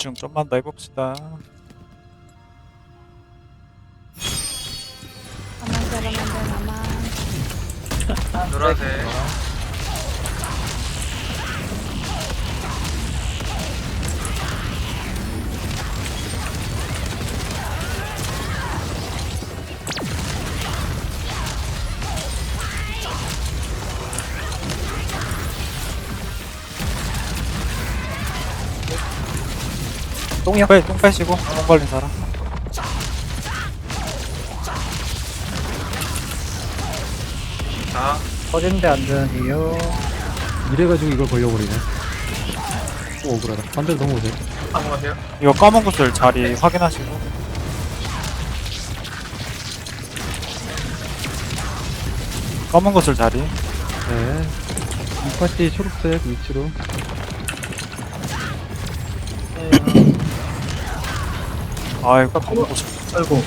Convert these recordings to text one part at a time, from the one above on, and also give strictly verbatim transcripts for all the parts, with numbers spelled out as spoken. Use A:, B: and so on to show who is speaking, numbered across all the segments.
A: 집중 좀만 더 해봅시다.
B: 나만 잡으면 돼, 나만.
C: 노란색.
A: 똥이요? 빼, 똥 빼시고 똥 걸린 사람.
C: 자,
D: 터지는데 안 되는데요.
E: 이래가지고 이걸 걸려버리네. 또 억울하다. 반대로 넘어오세요.
C: 넘어가세요.
A: 이거 검은 구슬 자리 확인하시고. 검은 구슬 자리.
E: 네. 이 파티 초록색 위치로.
A: 아이고 검은 구슬.
D: 아이고.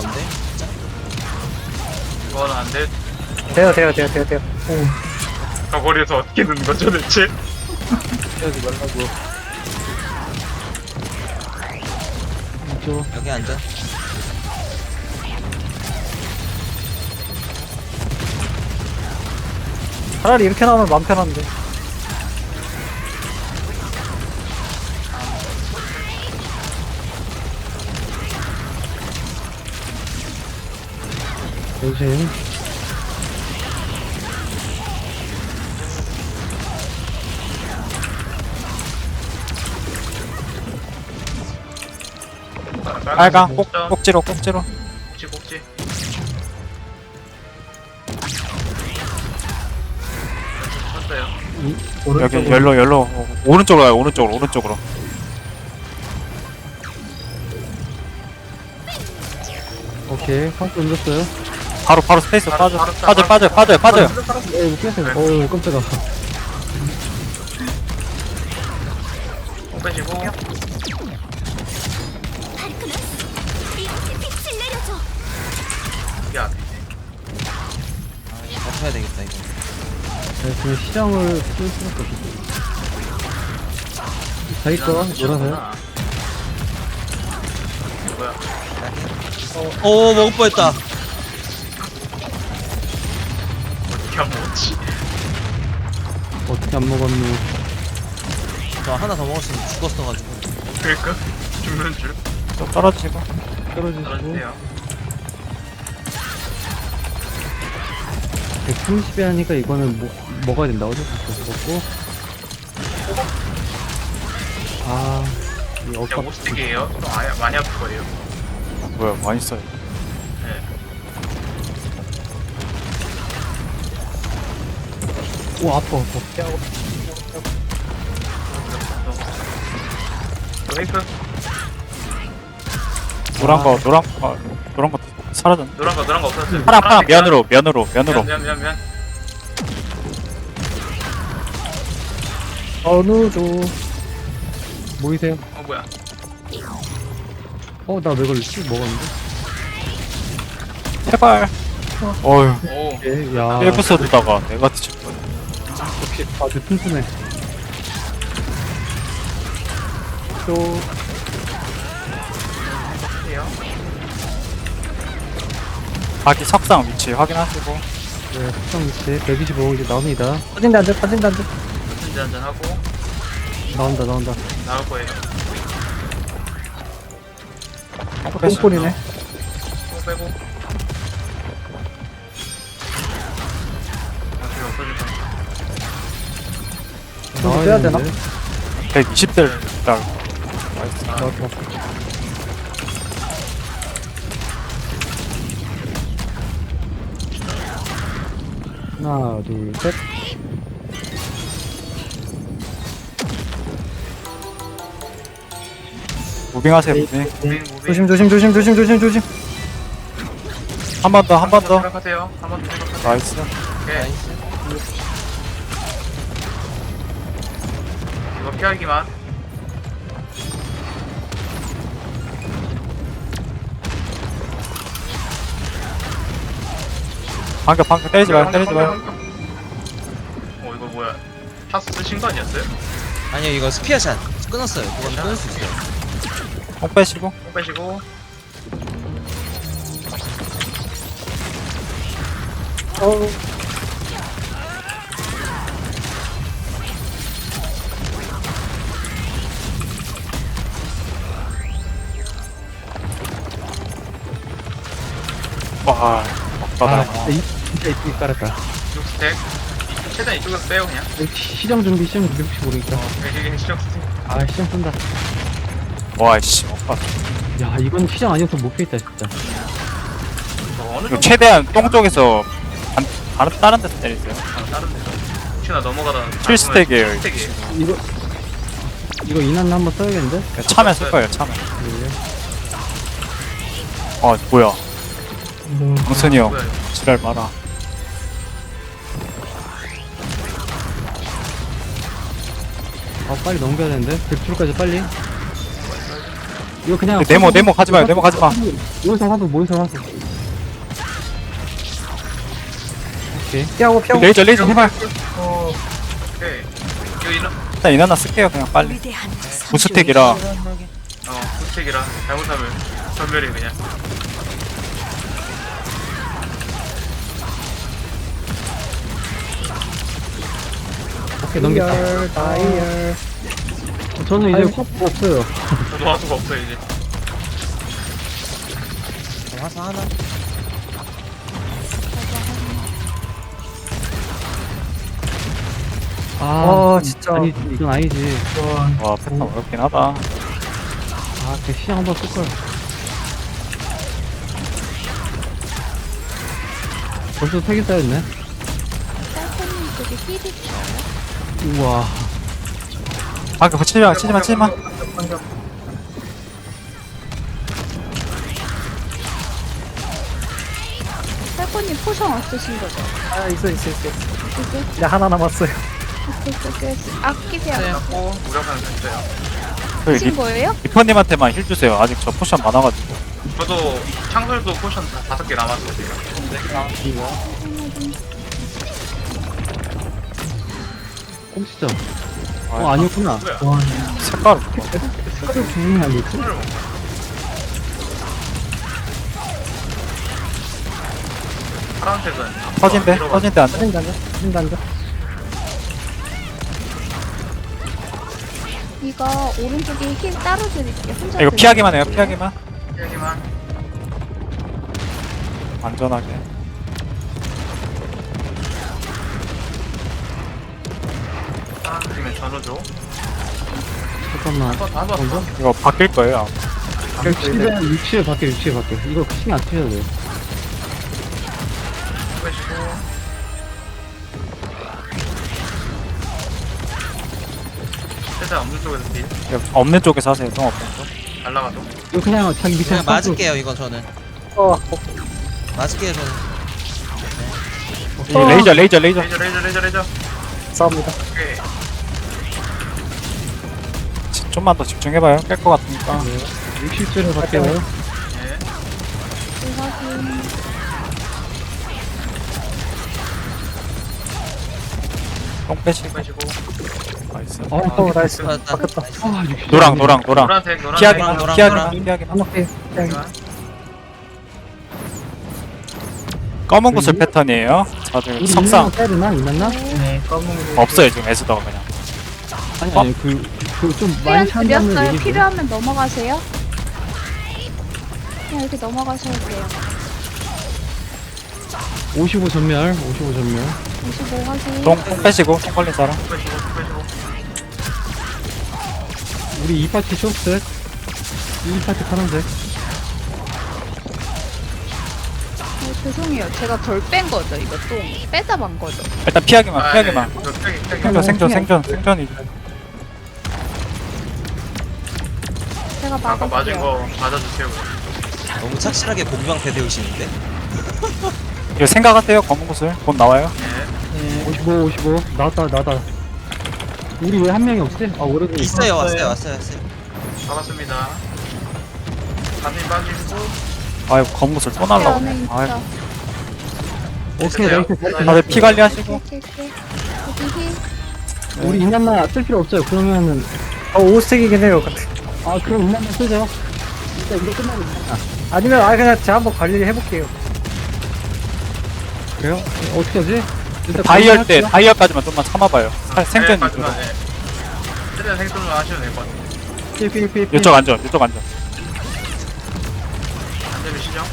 C: 이거는 안 돼.
D: 돼요, 돼요, 돼요, 돼요, 돼요.
C: 저 거리에서 어떻게 넣는 거죠, 대체?
E: 피하지 말라고. 이쪽.
F: 여기 앉아.
D: 차라리 이렇게 나오면 마음 편한데.
E: 조심.
A: 빨강 꼭, 꼭지로 꼭지로.
C: 꼭지, 꼭지. 쳤어요.
A: 여기 열로 열로 어, 오른쪽으로 가요. 오른쪽으로 오른쪽으로.
E: 오케이. 카운트 옮겼어요.
A: 바로 바로 스페이스
C: 바로,
A: 빠져
C: 바로
A: 빠져
C: 바로
A: 빠져 빠져 빠져.
E: 어, 이거 깼어요. 어우, 깜짝아.
C: 공 빼시고. 이게 앞에.
F: 버텨야 되겠다 이거.
E: 네, 지금 시장을 쓸 수밖에 없어. 자기 거, 놀아서요.
C: 뭐야?
F: 오 먹을 뻔했다.
C: 어떻게 안 먹었지?
E: 어떻게 안 먹었노.
F: 저 하나 더 먹었으면 죽었어가지고.
C: 그러니까 죽는 줄.
A: 좀 떨어지고.
E: 떨어지시고.
C: 떨어지세요.
E: 백삼십에 하니까 이거는 뭐, 먹어야 된다. 어쩔 수 없어. 먹고. 아, 이
C: 진짜
E: 억압.
C: 오스틱이에요. 좀 아예 많이 아플 거예요.
A: 뭐야 많이 써요.
C: 네.
E: 오, 아파, 아파.
C: 브레이크.
A: 노란 거 노란 거 노란 거 사라졌네.
C: 노란 거, 노란 거 없었어요.
A: 파란 파란
C: 파란색
A: 면으로 면으로 면으로.
C: 면, 면, 면, 면.
E: 어느도. 모이세요.
C: 어, 뭐야.
E: 어, 나 왜 걸렸지? 먹었는데?
A: 제발. 어휴.
C: 오.
E: 예, 야.
A: 에피소드다가 내가 뒤질 거야.
E: 역시 아주 튼튼해. 또,
C: 해요.
A: 자기 석상 위치 확인하시고.
E: 네, 특성 위치 백이십오 이제 나옵니다.
D: 터진데 안 돼, 터진데 안 돼.
C: 한잔 한잔 하고
E: 나온다, 나온다.
C: 나올 거예요.
D: 똥꼬리네.
C: 또 빼고. 아, 필요 없어질 거야.
D: 좀 빼야 되나?
A: 백이십 대 딱. 나이스.
E: 나왔다. 하나, 둘, 셋.
A: 무빙하세요 무빙.
C: 무빙, 무빙.
D: 조심, 조심, 조심, 조심, 조심, 조심.
A: 한 번 더 한 번 더.
C: 생각하세요. 한 번 더 생각하세요.
A: 나이스.
C: 오케이.
F: 나이스.
C: 이거 피하기만.
A: 방금 방금 때리지 마요 때리지 마요.
C: 어, 이거 뭐야. 타스 쓰신 거 아니었어요?
F: 아니요 이거 스피어샷 끊었어요. 그건 끊을 수 있어요.
A: 똥 빼시고.
C: 똥 빼시고.
D: 어,
A: 와,
E: 아,
A: 막바다.
E: 진짜, 이, 진짜 이쁘게 깔았다.
C: 육 스택. 최대한 이쪽에서 빼요 그냥.
E: 시정 준비, 시정 준비 혹시 모르니까.
C: 어, 이게 시정 스택.
E: 아, 시정 쓴다.
A: 와, 씨, 막바다.
E: 야, 이건 시정 아니었으면 못 피했다, 진짜.
C: 어, 어느
A: 이거
C: 정도
A: 최대한 똥 쪽에서 반, 다른, 다른 데서 때리세요.
C: 아, 다른 데서. 혹시나 넘어가다.
A: 칠 스택이에요,
C: 칠 스택이에요.
E: 이거, 이거 이난 한번 써야겠는데?
A: 참에 쓸 거예요, 참에.
E: 네.
A: 아, 뭐야.
D: 음,
A: 강선이 형,
C: 뭐야, 이거.
A: 지랄 마라.
E: 아, 빨리 넘겨야 되는데? 백 프로까지 빨리. 이거 그냥.
A: 네모, 네모 가지 마요, 네모 가지 마.
E: 모여서 화수, 모여서 화수. 오케이.
D: 피하고 피하고.
A: 레이저, 레이저, 해발.
C: 어. 오케이. 이거 이런.
A: 일단 이나나 쓸게요, 그냥 빨리. 무스택이라.
C: 어, 스택이라 잘못하면 전멸이 그냥.
E: 오케이, 넘겼다.
D: 다이얼, 다이얼.
E: 저는 이제
D: 아이고.
E: 화수 없어요.
C: 저도 할 수가 없어요 이제.
F: 화사 하나.
E: 아,
D: 아, 진짜.
E: 아니, 이건 아니지.
A: 와, 패턴 어렵긴 하다.
E: 아, 그 시장 한번 쓸걸. 벌써 세개 쌓였네.
B: 쌀코님 쪽에 힐이 있어요?
E: 우와.
A: 아, 그거 치지 마, 치지 마, 치지 마.
B: 쌀코님 포션 없으신 거죠?
D: 아, 있어, 있어, 있어.
B: 이게?
D: 이제 하나 남았어요.
B: 오케이, 오케이, 오케이. 아끼세요.
C: 고 무력하는 됐어요.
A: 그
B: 하신
A: 리,
B: 거예요?
A: 리퍼님한테만 힐 주세요. 아직 저 포션 많아가지고.
C: 저도 창설도 포션 다 다섯 개 남았어요 지금.
E: 꼼치죠. 어, 아니었구나.
C: 뭐야?
A: 색깔.
E: 색깔이 분명히 아니었지?
C: 손을 먹어. 파란색은
A: 터진대,
C: 들어가-
A: 터진대 안 돼.
D: 사진 단자, 사진 단자.
B: 이거 오른쪽에 힐 따로 드릴게요. 혼자
A: 이거
B: 드릴게요.
A: 피하기만 해요, 피하기만.
C: 여기만.
A: 안전하게.
C: 아 그러면 전호죠.
E: 잠깐만.
C: 한번 더, 한번 더.
A: 이거 바뀔 거예요. 아마.
E: 육십에, 육십에 밖에, 육십에 밖에. 이거 신경 안 쓰셔도 돼요.
C: 빼시고. 최대한 없는 쪽에서 딜.
A: 이거 없는 쪽에서 하세요, 똥 없는 쪽.
C: 날라가도.
E: 이거 그냥 자기 밑에
F: 그냥 맞을게요 이건 저는.
D: 어,
F: 맞을게요 저는.
A: 이 레이저, 레이저, 레이저.
C: 레이저 레이저 레이저 레이저.
D: 싸웁니다.
C: 오케이.
A: 지- 좀만 더 집중해봐요. 깰 것 같으니까.
E: 육십 줄에 밖에요.
C: 예.
B: 확인.
A: 똥 빼시고.
C: 빼시고.
A: 나이스.
E: 어,
D: 어, 나이스.
F: 맞다.
D: 바뀌었다.
E: 아, 육십.
A: 노랑, 노랑, 노랑.
C: 노란색 노란색.
A: 피하기만,
F: 노랑,
A: 피하기만,
F: 노랑.
A: 피하기만.
D: 오케이. 그냥
A: 검은 구슬 패턴이에요. 다들
E: 우리
A: 석상.
E: 이났나 때리나? 이났나?
D: 네, 검은 거.
A: 없어요, 지금 에스더가 그냥.
E: 아니, 아니, 그, 그 좀 많이
B: 수연
E: 찬다는
B: 드렸어요.
E: 얘기지.
B: 필요하면 넘어가세요. 그냥 이렇게 넘어가셔도 돼요.
E: 오십오 전멸, 오십오 전멸.
B: 오십오 확인.
A: 똥, 똥 빼시고, 똥 걸린 사람.
C: 빼시고 빼시고.
E: 우리 이 파티 초록색. 이 파티 파란색.
B: 어, 죄송해요. 제가 덜 뺀 거죠. 이거 똥 빼다 만 거죠.
A: 일단 피하기만, 피하기만.
C: 저 빼기 빼기.
A: 생존, 생존, 생존, 생존이.
B: 제가
C: 아까 맞은
B: 막을게요.
C: 거 맞아주세요.
F: 너무 착실하게 공방패 세우시는데.
A: 이거 생각하세요, 검은 구슬. 곧 나와요.
C: 예.
E: 오십오, 오십오. 나왔다, 나왔다. 우리 왜 한 명이 없지? 아, 오래된
F: 있어요 왔어요 왔어요 왔어요.
C: 잡았습니다. 간님 빠지고.
A: 아이고, 검은 구슬 또
B: 안에
A: 날라오네.
B: 있어.
A: 아이고.
E: 오케이, 나이스.
A: 다들 피 관리하시고.
B: 오케이, 오케이. 여기 힐.
E: 우리 이난나 쓸 필요 없어요. 그러면은,
D: 어, 오 스택이긴 해요. 근데.
E: 아, 그럼 이난나 쓰죠. 진짜 이거 끝나면 되나?
D: 아니면 아 그냥 제가 한번 관리 해볼게요.
E: 그래요? 어, 어떻게 하지? 일단
A: 다이얼 때
E: 관리할게요.
A: 다이얼까지만 좀만 참아봐요. 살- 생존 위주로.
C: 네, 네. 최대한 생존만 하셔도 될 것 같아요.
E: 피, 피, 피, 피.
A: 이쪽 안전, 이쪽 안전.
C: 안되면 시정.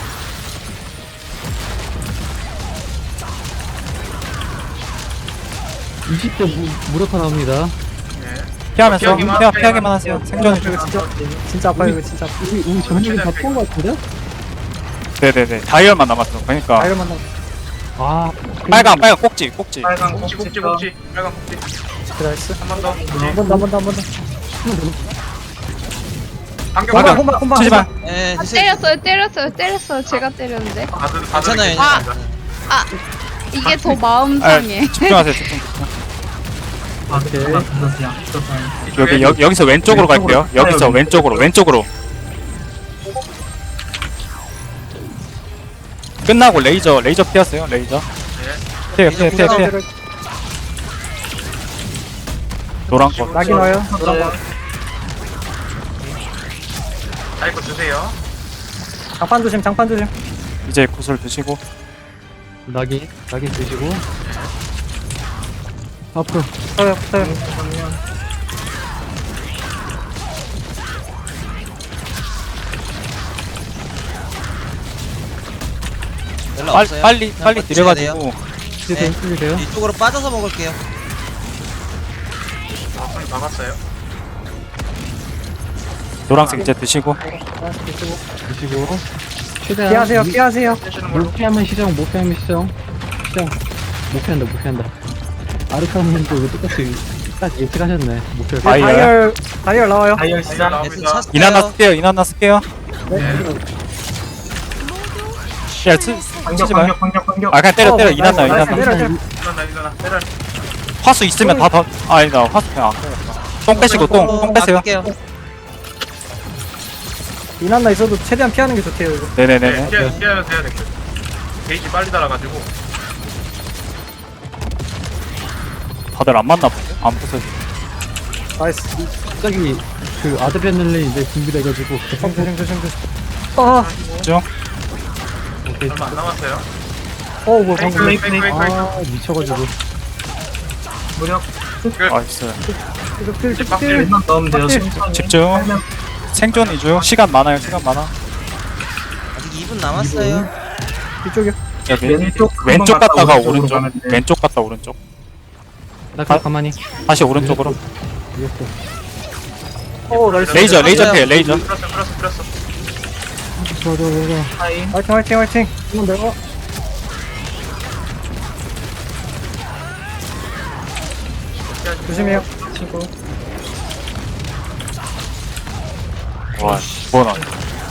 E: 이십 대 무, 무력화 나옵니다.
C: 네.
A: 피하면서
C: 피하기만,
A: 피하,
C: 피하기만
A: 피하기만 하세요. 생존 위주로.
D: 이거 진짜 진짜 아파요 이거 진짜. 아파요.
E: 우리, 우리 전력이 다 피한 것 같은데?
A: 네네네. 다이얼만 남았어. 그러니까
D: 아이를 만나.
E: 아,
A: 빨강 빨강 꼭지 꼭지.
C: 빨간 꼭지 꼭지 꼭지 빨간 꼭지
D: 나이스.
C: 한 번 더.
D: 한 번 더 한 번 더 한 번 더.
C: 반격
D: 혼방
C: 반격.
D: 혼방 혼방.
A: 치지마.
F: 예
B: 아,
F: 드세요.
B: 때렸어요, 때렸어요, 때렸어요. 제가 때렸는데.
C: 다들 다들
F: 괜찮아요.
C: 이렇게
B: 아.
C: 있습니다.
B: 아, 이게 더 마음
A: 아,
B: 상해.
A: 집중하세요. 집중. 집중.
E: 오케이.
A: 여기 여, 여기서 왼쪽으로 갈게요. 여기서 왼쪽으로 왼쪽으로. 끝나고 레이저 레이저 피하세요. 레이저.
C: 네.
A: 피해 피해 피해 피해. 노란 거.
D: 낙인 와요.
C: 네. 아이고 주세요.
D: 장판 조심 장판 조심.
A: 이제 구슬 드시고.
E: 낙인, 낙인 드시고. 앞으로.
D: 서요 서요.
F: 연락
A: 빨리
F: 없어요.
A: 빨리
F: 그냥
A: 빨리
F: 버티셔야 돼요.
A: 들여가지고.
E: 이제
F: 네.
E: 네. 돼요?
F: 이쪽으로 빠져서 먹을게요.
C: 아 손이 막았어요.
A: 노란색 이제 드시고.
D: 하나씩 드시고.
E: 드시고. 최대한.
D: 피하세요
E: 무-
D: 피하세요.
C: 떼시는 걸로.
E: 못 피하면 시정, 못 피하면 시정. 시정. 못 피한다, 못 피한다. 아르카님도 이거 똑같이 딱 예측하셨네. 못 피할 거.
A: 아이.
D: 다이얼 다이얼 나와요.
C: 다이얼
F: 예스
C: 나옵니다.
F: 찼어요.
A: 이나나 쓸게요. 이나나 쓸게요. 야, 치, 치지 마요. 아, 그냥 때려, 때려. 이나나,
D: 나이스,
A: 이나나.
D: 때려, 때려.
C: 일어나 일어나 때려.
A: 화수 있으면 다 더. 아, 아니다. 화수 그냥 안 빼겠다. 똥 빼시고, 똥, 똥 빼세요.
F: 아낄게요.
D: 이난나 있어도 최대한 피하는 게 좋대요 이거.
C: 네,
A: 네네네.
C: 피하 피하면 돼야 돼. 게이지 빨리 달아가지고.
A: 다들 안 맞나 보네. 안 부서지.
D: 나이스.
E: 갑자기 그 아드레날린 이제 준비돼가지고.
D: 조심 조심 조심 조심. 아,
A: 쭉.
E: 오케이.
C: 얼마 안 남았어요.
D: 어, 뭐
C: 페이크
D: 방금
C: 페이크 페이크 페이크.
E: 아, 미쳐가지고.
A: 나이스.
D: 이거 필,
C: 이제
D: 필,
C: 빡딜
D: 필.
C: 넣으면 돼요.
D: 빡딜.
A: 집중. 생존 위주. 시간 많아요. 시간 많아.
F: 아직 이 분 남았어요.
D: 이쪽이요.
A: 여기. 왼쪽 갔다가 오른쪽. 왼쪽 갔다 오른쪽.
E: 나 그냥 가만히.
A: 다시 오른쪽으로.
E: 이겼어.
D: 어, 나이스.
A: 레이저, 레이저
F: 맞아요.
A: 피해. 레이저.
C: 풀었어 풀었어 풀었어.
E: 좋아, 좋아, 좋아, 좋아.
D: 화이팅 화이팅 화이팅. 이건 내가 조심해요. 친구.
A: 와, 뭐 나.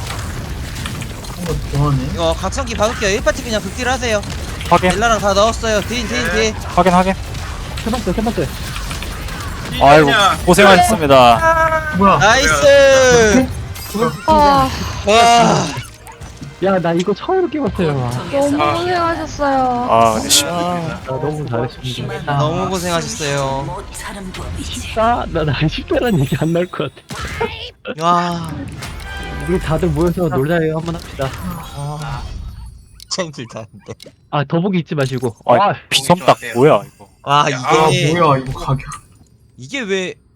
F: 이거 각성기 박을게요. 일 파티 그냥 극딜 하세요.
A: 확인.
F: 벨라랑 다 넣었어요. 딘, 딘, 딘.
A: 확인, 확인.
E: 세 번째, 세 번째.
A: 아이고, 고생하셨습니다.
F: 나이스!
B: 아,
F: 와.
E: 야, 나 이거 처음 깨봤어요.
B: 너무 고생하셨어요.
A: 아, 근데 씨.
E: 아, 나 너무 잘했습니다.
F: 너무 고생하셨어요.
E: 아, 나, 나 십대란 얘기 안 나올 것 같아.
F: 와.
E: 우리 다들 모여서 놀자요. 한번 합시다.
F: 진짜 힘들다, 근데.
E: 아, 더보기 잊지 마시고.
A: 아,
E: 아,
A: 비섬딱 뭐야, 이거.
F: 와,
C: 아
F: 이게.
C: 뭐야 이거 가격.
F: 이게 왜